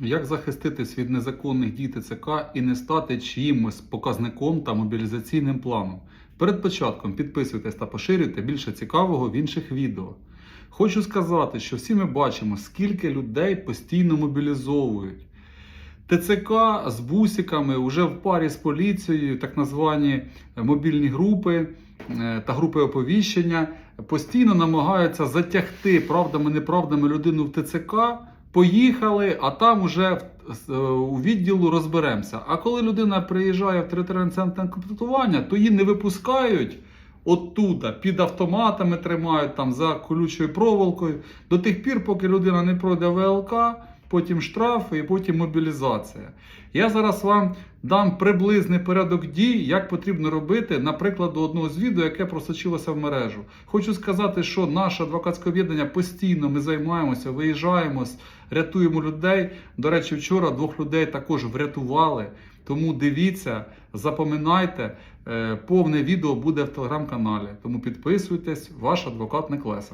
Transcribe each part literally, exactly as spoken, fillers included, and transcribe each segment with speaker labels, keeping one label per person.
Speaker 1: Як захиститись від незаконних дій Те Це Ка і не стати чиїмось показником та мобілізаційним планом? Перед початком підписуйтесь та поширюйте більше цікавого в інших відео. Хочу сказати, що всі ми бачимо, скільки людей постійно мобілізовують. Те Це Ка з бусиками вже в парі з поліцією, так названі мобільні групи та групи оповіщення, постійно намагаються затягти правдами-неправдами людину в Те Це Ка. Поїхали, а там уже у відділу розберемося. А коли людина приїжджає в територіальний центр комплектування, то її не випускають оттуда, під автоматами тримають, там за колючою проволокою, до тих пір, поки людина не пройде В Л К, потім штрафи і потім мобілізація. Я зараз вам дам приблизний порядок дій, як потрібно робити, наприклад, до одного з відео, яке просочилося в мережу. Хочу сказати, що наше адвокатське об'єднання постійно ми займаємося, виїжджаємо, рятуємо людей. До речі, вчора двох людей також врятували. Тому дивіться, запам'ятайте, повне відео буде в телеграм-каналі. Тому підписуйтесь, ваш адвокат Неклеса.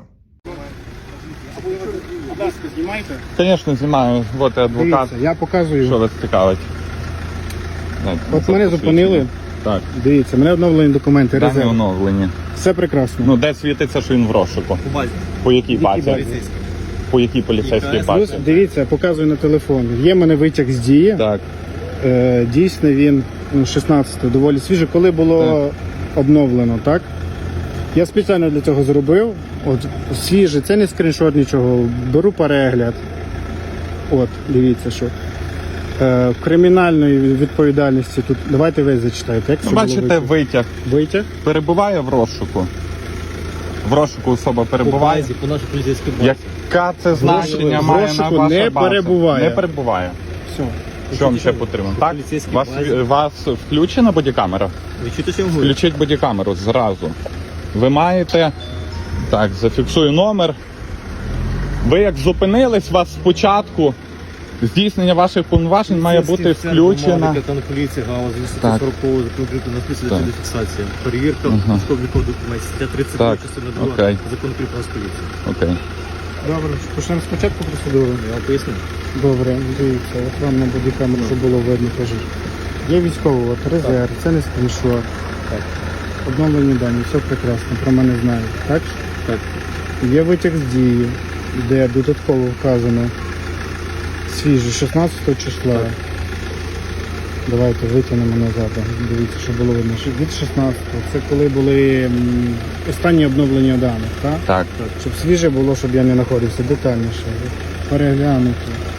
Speaker 2: Будь ласка, знімайте.
Speaker 3: Звісно, знімаю. Вот і адвокат.
Speaker 2: Дивіться, я показую.
Speaker 3: Що вас цікавить?
Speaker 2: От мене зупинили.
Speaker 3: Так.
Speaker 2: Дивіться, мене обновлені документи,
Speaker 3: Дані
Speaker 2: резерв.
Speaker 3: оновлені.
Speaker 2: Все прекрасно.
Speaker 3: Ну, де світиться, що він в розшуку?
Speaker 4: По базі.
Speaker 3: По якій базі?
Speaker 2: базі?
Speaker 3: По якій поліцейській
Speaker 4: Яка?
Speaker 3: базі?
Speaker 2: Дивіться, показую на телефон. Є в мене витяг з дії.
Speaker 3: Так.
Speaker 2: Е, дійсно він ну, шістнадцятого, доволі свіжий. Коли було обновлено, так? Я спеціально для цього зробив. От, свіжий, це не скріншот нічого. Беру перегляд. От, дивіться, що. Е, кримінальної відповідальності тут. Давайте ви зачитаєте. Як
Speaker 3: Ну,
Speaker 2: це було
Speaker 3: бачите,
Speaker 2: витяг?
Speaker 3: витяг.
Speaker 2: Витяг?
Speaker 3: Перебуває в розшуку. В розшуку особа
Speaker 4: По
Speaker 3: перебуває.
Speaker 4: базі, по нашій поліцейській базі.
Speaker 3: Яка це значення
Speaker 2: в
Speaker 3: має на
Speaker 2: розшуку
Speaker 3: ваша
Speaker 2: не
Speaker 3: база?
Speaker 2: перебуває.
Speaker 3: Не перебуває.
Speaker 2: Все.
Speaker 3: Що вам ще потрібно?
Speaker 4: По
Speaker 3: Так?
Speaker 4: поліцейській
Speaker 3: Вас,
Speaker 4: базі.
Speaker 3: вас включена бодікамера?
Speaker 4: Ви чуєте, що я говорю?
Speaker 3: Включіть бодікамеру зразу. Ви маєте... Так, зафіксую номер. Ви як зупинились, вас спочатку здійснення ваших повноважень має бути включено.
Speaker 4: Капітан поліції, галузь,
Speaker 3: Так.
Speaker 4: сорок закону на списку
Speaker 3: Так.
Speaker 4: для фіксації. Перевірка
Speaker 3: Ага.
Speaker 4: військово-облікових документів. Стаття тридцять два,
Speaker 3: Так.
Speaker 4: частина
Speaker 3: Окей.
Speaker 4: два. Закон про нас поліції.
Speaker 3: Окей.
Speaker 2: Добре, почнемо спочатку процедуру.
Speaker 4: Я вам поясню.
Speaker 2: Добре, дивіться, от вам на бодікамеру, щоб було видно, кажуть. Є військовий, от резерв, це не скріншот.
Speaker 4: Так.
Speaker 2: Обновлені дані, все прекрасно, про мене знають, так?
Speaker 4: Так.
Speaker 2: Є витяг з дії, де додатково вказано свіжий, шістнадцятого числа.
Speaker 4: Так.
Speaker 2: Давайте витягнемо назад, дивіться, щоб було видно. Від шістнадцятого, це коли були м, останні обновлення даних, так?
Speaker 3: Так.
Speaker 2: Щоб свіже було, щоб я не знаходився детальніше. Переглянути.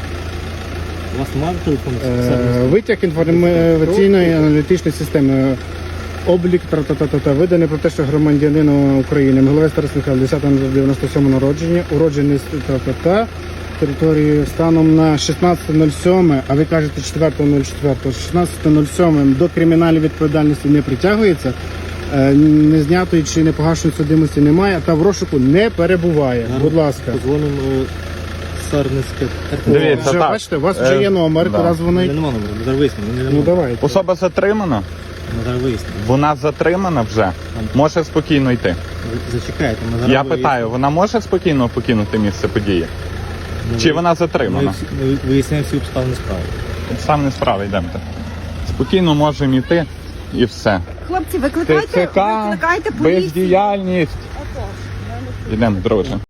Speaker 4: У вас немає телефону?
Speaker 2: Е, Витяг інформаційної аналітичної системи. Облік тра-та-та-та-та, виданий про те, що громадянин України, Микола Тарас Михайлович, десятого дев'яносто сьомого народження, уроджений з та-та-та, території станом на шістнадцяте нуль сьоме, а ви кажете четвертого нуль четвертого, шістнадцяте нуль сьоме до кримінальної відповідальності не притягується, е, не знятої чи не погашеної судимості немає, та в розшуку не перебуває. Будь ласка.
Speaker 4: Позвонимо Сарницьке.
Speaker 3: Дивіться,
Speaker 2: Вже,
Speaker 3: так.
Speaker 2: бачите, у вас вже
Speaker 3: Е,
Speaker 2: є номер,
Speaker 3: да.
Speaker 2: раз вони...
Speaker 4: Нема номеру, ми зараз вияснимо. Ми не
Speaker 2: Ну
Speaker 4: можемо.
Speaker 2: давайте.
Speaker 3: Особа затримана?
Speaker 4: Ми зараз вияснимо.
Speaker 3: Вона затримана вже? Може спокійно йти?
Speaker 4: Ви Зачекайте, ми зараз
Speaker 3: Я
Speaker 4: вияснимо.
Speaker 3: питаю, вона може спокійно покинути місце події?
Speaker 4: Ми
Speaker 3: Чи
Speaker 4: ви-
Speaker 3: вона
Speaker 4: Ми,
Speaker 3: затримана?
Speaker 4: всі- ми виясняємо всі обставини справи.
Speaker 3: Сам не справа, йдемте. Спокійно можемо йти і все.
Speaker 5: Хлопці,
Speaker 3: Те
Speaker 5: викликайте,
Speaker 3: Це Ка,
Speaker 5: викликайте поліцію.
Speaker 3: бездіяльність. Йдемо, друже.